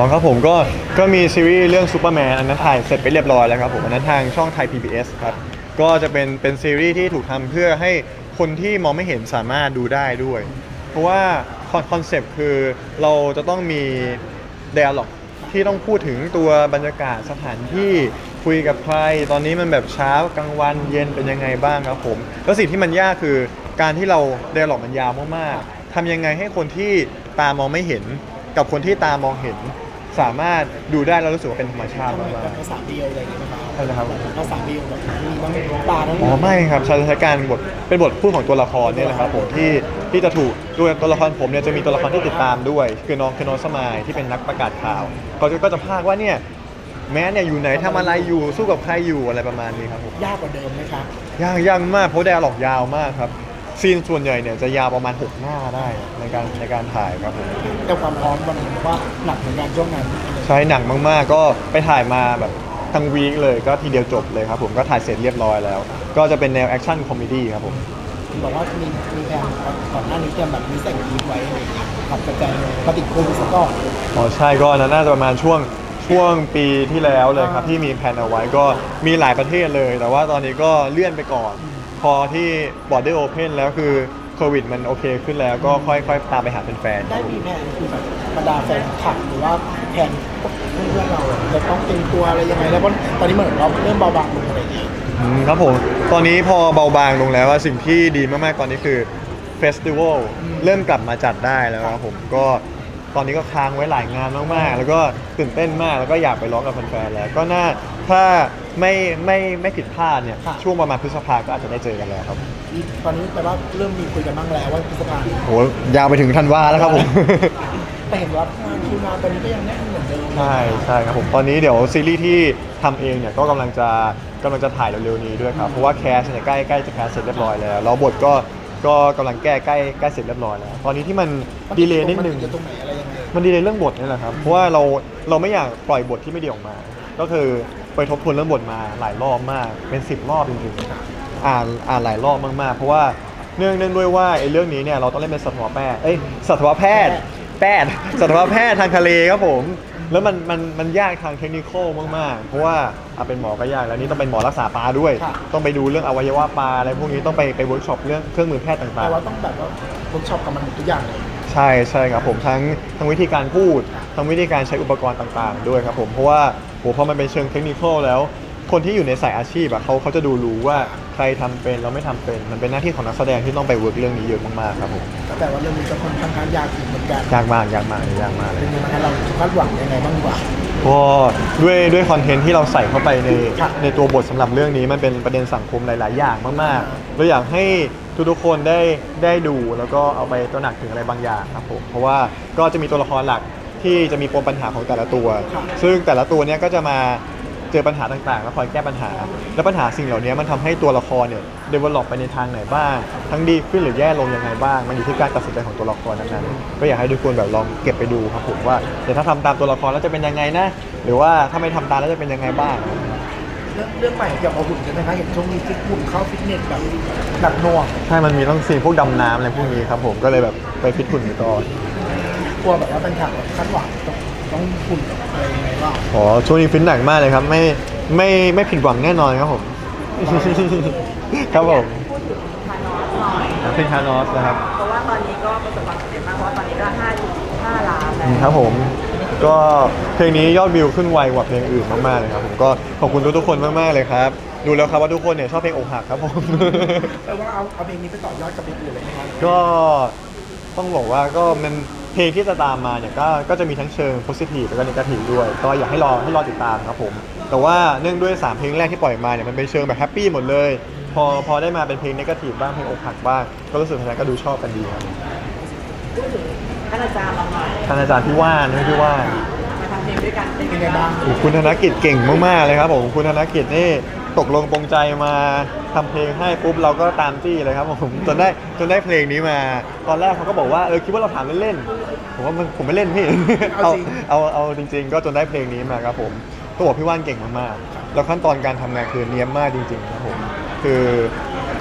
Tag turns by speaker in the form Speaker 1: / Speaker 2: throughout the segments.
Speaker 1: ครับผมก็มีซีรีส์เรื่องซูเปอร์แมนอันนั้นถ่ายเสร็จไปเรียบร้อยแล้วครับผมอันนั้นทางช่องไทย PBS ครับก็จะเป็นซีรีส์ที่ถูกทำเพื่อให้คนที่มองไม่เห็นสามารถดูได้ด้วยเพราะว่าคอนเซปต์คือเราจะต้องมี dialog ที่ต้องพูดถึงตัวบรรยากาศสถานที่คุยกับใครตอนนี้มันแบบเช้ากลางวันเย็นเป็นยังไงบ้างครับผมแล้วสิ่งที่มันยากคือการที่เรา dialog มันยาวมากๆทำยังไงให้คนที่ตามองไม่เห็นกับคนที่ตามองเห็นสามารถดูได้แล้วรู้สึกว่าเป็นธรรมชาติมาก
Speaker 2: ภาษาเดียวอะไรอย่างเงี้ยไหมครับ
Speaker 1: ใช่นะครับ
Speaker 2: ภาษาเดียวแบบมีทั้งตาทั้ง
Speaker 1: อ๋อไม่ครับใช้การบทเป็นบทพูดของตัวละครเนี่ยแหละครับผมที่จะถูกตัวละครผมเนี่ยจะมีตัวละครที่ติดตามด้วยคือน้องสมายที่เป็นนักประกาศข่าวเขาก็จะพากว่าเนี่ยแม้เนี่ยอยู่ไหนทำอะไรอยู่สู้กับใครอยู่อะไรประมาณนี้ครับผม
Speaker 2: ยากกว่าเดิมไหมครับ
Speaker 1: ยากมากเพราะไดอะล็อกยาวมากครับซีนส่วนใหญ่เนี่ยจะยาวประมาณ6 หน้าได้ในการถ่ายครับผม
Speaker 2: แต่ความพร้อมวันนี้ว่าหนักเหมือนกันช่วงนั้น
Speaker 1: ใช้หนังมากๆก็ไปถ่ายมาแบบทั้งวีคเลยก็ทีเดียวจบเลยครับผมก็ถ่ายเสร็จเรียบร้อยแล้ว ก็จะเป็นแนวแอคชั่นคอมเมดี้ครับผม
Speaker 2: บอกว่ามีแผนก่อนหน้านี้จะแบบมีแต่งทีมไว้อะไรอย่างเงี้ยขับกระจายปฏิดโควิดซะก่อน
Speaker 1: อ๋อใช่ก็น่าจะประมาณช่วงปีที่แล้วเลยครับที่มีแผนเอาไว้ก็มีหลายประเทศเลย แต่ว่าตอนนี้ก็เลื่อนไปก่อน พอที่ Border Open แล้วคือโควิดมันโอเคขึ้นแล้วก็ค่อยตามไปหาแฟนๆค
Speaker 2: ได้
Speaker 1: รับผม
Speaker 2: มีแผนคือแบบบรรดาแฟนคลับหรือว่าแผนเพื่อนเราจะต้องเตรียมตัวอะไรยังไงแล้วเพราะตอนนี้เหมือนเราเริ่มเบาบางลงอะไรอย่างเงี้ย
Speaker 1: ครับผมตอนนี้พอเบาบางลงแล้วว่าสิ่งที่ดีมากๆตอนนี้คือเฟสติวัลเริ่มกลับมาจัดได้แล้วครับผมก็ตอนนี้ก็ค้างไว้หลายงานมากๆแล้วก็ตื่นเต้นมากแล้วก็อยากไปร้องกับแฟนๆแล้วก็น่าถ้าไม่ผิดพลาดเนี่ยช่วงประมาณพฤษภาก็อาจจะได้เจอกันแล้วครับ
Speaker 2: ตอนนี้แปลว่าเริ่มมีคุยกันบ้างแล้วว่าพฤษภา
Speaker 1: โหยาวไปถึงธันวาแล้วครับผม
Speaker 2: แต่เห็นว่างานคิวงานตอนนี้ก็ยังแน่นเหมือนเดิม
Speaker 1: ใช่ครับผมตอนนี้เดี๋ยวซีรีส์ที่ทำเองเนี่ยก็กำลังจะถ่ายเร็วๆนี้ด้วยครับเพราะว่าแคสเนี่ยใกล้จะแคสเสร็จเรียบร้อยแล้วแล้วบทก็กำลังแก้ใกล้เสร็จเรียบร้อยแล้วตอนนี้ที่มันดีเลย์นิดนึง
Speaker 2: มัจะตรงไหนอะไรยังไง
Speaker 1: มันดีเลยเรื่องบทนี่แหละครับเพราะว่าเราไม่อยากปล่อยบทที่ไม่ดีออกมา ก็คือไปทบทวนเรื่องบทมาหลายรอบมากเป็น10 รอบจริงๆอ่านหลายรอบมากๆเพราะว่าเนื่องด้วยว่าไอ้เรื่องนี้เนี่ยเราต้องเล่นเป็นสัตวแพทย์สัตวแพทย์สัตวแพทย์ทางทะเลครับผมแล้วมันยากทางเทคนิคอลมากๆเพราะว่าเป็นหมอก็ยากแล้วนี่ต้องเป็นหมอรักษาปลาด้วย ต้องไปดูเรื่องอวัยวะปลาอะไรพวกนี้ต้องไปเวิร์กช็อปเรื่องเครื่องมือแพทย์ต่างๆ
Speaker 2: แต่ว่าต้องแบบว่าเวิร์กช็อปกับมันหมดทุกอย่างเลย
Speaker 1: ใช่ครับผมทั้งวิธีการพูดทั้งวิธีการใช้อุปกรณ์ต่างๆด้วยครับผมเพราะว่าพอมันเป็นเชิงเทคนิคแล้ว คนที่อยู่ในสายอาชีพอะเขาจะดูรู้ว่าใครทำเป็นแล้วไม่ทำเป็นมันเป็นหน้าที่ของนักแสดงที่ต้องไปเวิร์กเรื่องนี้เยอะมากๆครับผม
Speaker 2: แต่ว่าเรื่องนี้จะค่อนข้างยากอยู่เหมือนกัน
Speaker 1: ยากมากเล
Speaker 2: เป็
Speaker 1: ย
Speaker 2: นยังไงเราคาดหวังยังไงบ้างดีกว่า
Speaker 1: ก็ด้วยคอนเทนต์ที่เราใส่เข้าไปใน
Speaker 2: ครับ
Speaker 1: ในตัวบทสำหรับเรื่องนี้มันเป็นประเด็นสังคมหลายๆ อย่างมากๆเราอยากให้ทุกๆคนได้ดูแล้วก็เอาไปตระหนักถึงอะไรบางอย่างครับผมเพราะว่าก็จะมีตัวละครหลักที่จะมีปมปัญหาของแต่ละตัว ซึ่งแต่ละตัวเนี้ยก็จะมาเจอปัญหาต่างๆ แล้วคอยแก้ปัญหา และปัญหาสิ่งเหล่านี้มันทำให้ตัวละครเนี่ยเดเวลลอปไปในทางไหนบ้าง ทั้งดีขึ้นหรือแย่ลงยังไงบ้าง มันอยู่ที่การตัดสินใจของตัวละครนั้นๆก็อยากให้ทุกคนแบบลองเก็บไปดูครับผมว่าเดี๋ยวถ้าทำตามตัวละครแล้วจะเป็นยังไงนะ หรือว่าถ้าไม่ทำตามแล้วจะเป็นยังไงบ้าง
Speaker 2: เรื่องใหม่เกี่ยวกับหุ่นใช่ไหมคะเห็นช่วงนี้ฟิตหุ่นเข้าฟิตเนสแบบหนักหน่วง
Speaker 1: ใช่มันมีต้องซีนพวกดำน้ำอะไรพวกนี้ครับผมก็เลยแบบไปฟิตหุ่นไปก่อน
Speaker 2: กลัวแบบว่าเป็นฉากแบบคาดหวังต้องหุ่นอะไรยังไงบ้าง
Speaker 1: อ๋อช่วงนี้ฟิตหนักมากเลยครับไม่ผิดหวังแน่นอนครับผม ครับผม
Speaker 3: พูดถึงคานอสหน่อย
Speaker 1: เป็นคานอสนะครับ
Speaker 3: เพราะว่าตอนนี้ก็ประสบความสำเร็จมากเพราะว่าตอนนี้ก็5.5 ล้านแล้ว
Speaker 1: ครับผมก็เพลงนี้ยอดวิวขึ้นไวกว่าเพลงอื่นมากๆเลยครับผมก็ขอบคุณทุกๆคนมากๆเลยครับดูแล้วครับว่าทุกคนเนี่ยชอบเพลงอกหักครับผม
Speaker 2: แปลว่าเอาเพลงนี้ไปต่อยอดกับเพลงอื่นเลยไหมครับ
Speaker 1: ก็ต้องบอกว่าก็มันเพลงที่จะตามมาเนี่ยก็จะมีทั้งเชิงโพสิทีฟแล้วก็ n นกาทีฟด้วยก็อยากให้รอติดตามครับผมแต่ว่าเนื่องด้วย3เพลงแรกที่ปล่อยมาเนี่ยมันเป็นเชิงแบบแฮปปี้หมดเลยพอได้มาเป็นเพลงเนกาทีฟบ้างเพลงอกหักบ้างก็รู้สึกแฟนๆก็ดูชอบกันดีครับ
Speaker 3: พูดถึงท่านอาจารย์เราหน่อย
Speaker 1: ท่านอาจารย์พี่ว่านพี่ว่าน
Speaker 3: มาทำเพลงด้วยกันเป็น
Speaker 2: เป็น
Speaker 3: ไง
Speaker 2: ไง
Speaker 3: บ้า
Speaker 2: บ้าง ง
Speaker 1: โอ้คุณธนกิจเก่งมากๆเลยครับผมคุณธนกิจนี่ตกลงปรงใจมาทำเพลงให้ปุ๊บเราก็ตามจี้เลยครับผมจนได้เพลงนี้มา ตอนแรกเขาก็บอกว่าคิดว่าเราถามเล่นๆผมว่าผมไม่เล่นพี่ เอาจริงๆ ก็จนได้เพลงนี้มาครับผมต้องบอกพี่ว่านเก่งมากๆแล้วขั้นตอนการทำงานคือเนียบมากจริงๆครับผมคือ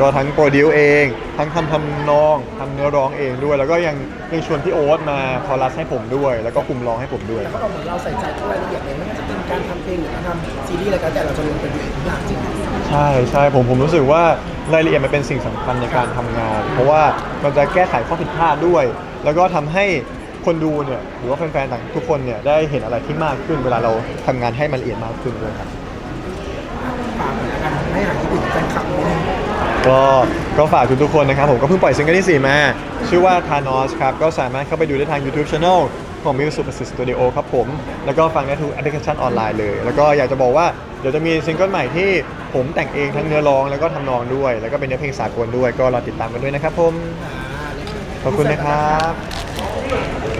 Speaker 1: ก็ทั้งโปรดิวเอง ทั้งทำนองทำเนื้อร้องเองด้วย แล้วก็ยังชวนพี่โอ๊ตมาคอรัสให้ผมด้วย แล้วก็คุมร้องให้ผมด้วย
Speaker 2: แต่เขาบอกเหมือนเราใส่ใจทุกรายละเอียดเลยไม่ว่าจะเป็นการทำเพลงหรือการทำซีรีส์อะไรก็แต่เราจะลงไปดูทุกอย่างจริง
Speaker 1: ใช่ใช่ผมรู้สึกว่ารายละเอียดมันเป็นสิ่งสำคัญในการทำงาน เพราะว่ามันจะแก้ไขข้อผิดพลาดด้วย แล้วก็ทำให้คนดูเนี่ยหรือว่าแฟนๆต่างทุกคนเนี่ยได้เห็นอะไรที่มากขึ้นเวลาเราทำงานให้มันละเอียดมากขึ้นด้วยครับ
Speaker 2: ฝากหน่อยละกันไม่หายคิดถึงแฟนคลับนิดนึง
Speaker 1: ก็ฝากทุกๆคนนะครับผมก็เพิ่งปล่อยซิงเกิลที่ 4 มา ชื่อว่า Thanos ครับก็สามารถเข้าไปดูได้ทาง YouTube Channel ของ Music Super Studio ครับผมแล้วก็ฟังได้ทุกแอปพลิเคชันออนไลน์เลย แล้วก็อยากจะบอกว่าเดี๋ยวจะมีซิงเกิลใหม่ที่ผมแต่งเองทั้งเนื้อร้องแล้วก็ทำนองด้วย แล้วก็เป็นเนื้อเพลงสากลด้วยก็รอติดตามกันด้วยนะครับผมขอบคุณนะครับ